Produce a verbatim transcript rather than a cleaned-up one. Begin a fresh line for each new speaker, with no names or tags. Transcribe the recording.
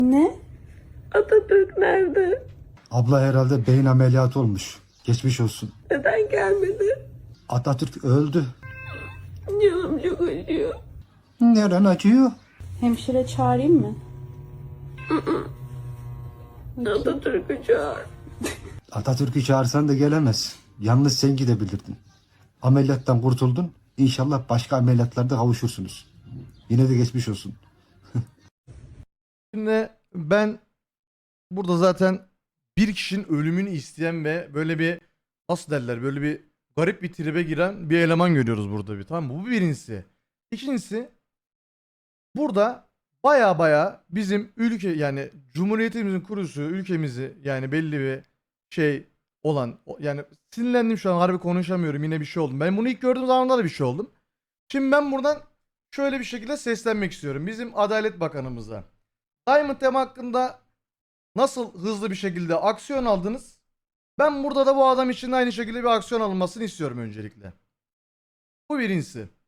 Ne?
Atatürk nerede?
Abla herhalde beyin ameliyatı olmuş. Geçmiş olsun.
Neden gelmedi?
Atatürk öldü.
Canım çok acıyor.
Neren acıyor?
Hemşire çağırayım mı?
Atatürk'ü çağır.
Atatürk'ü çağırsan da gelemez. Yalnız sen gidebilirdin. Ameliyattan kurtuldun. İnşallah başka ameliyatlarda kavuşursunuz. Yine de geçmiş olsun.
Şimdi ben burada zaten bir kişinin ölümünü isteyen ve böyle bir nasıl derler böyle bir garip bir tribe giren bir eleman görüyoruz burada bir, tamam mı? Bu birincisi. İkincisi, burada baya baya bizim ülke yani Cumhuriyetimizin kurucusu ülkemizi yani belli bir şey olan o- yani sinirlendim şu an, harbi konuşamıyorum, yine bir şey oldum. Ben bunu ilk gördüğüm zamanlarda da bir şey oldum. Şimdi ben buradan şöyle bir şekilde seslenmek istiyorum bizim Adalet Bakanımıza. Diamond Tema hakkında nasıl hızlı bir şekilde aksiyon aldınız? Ben burada da bu adam için de aynı şekilde bir aksiyon alınmasını istiyorum öncelikle. Bu birincisi.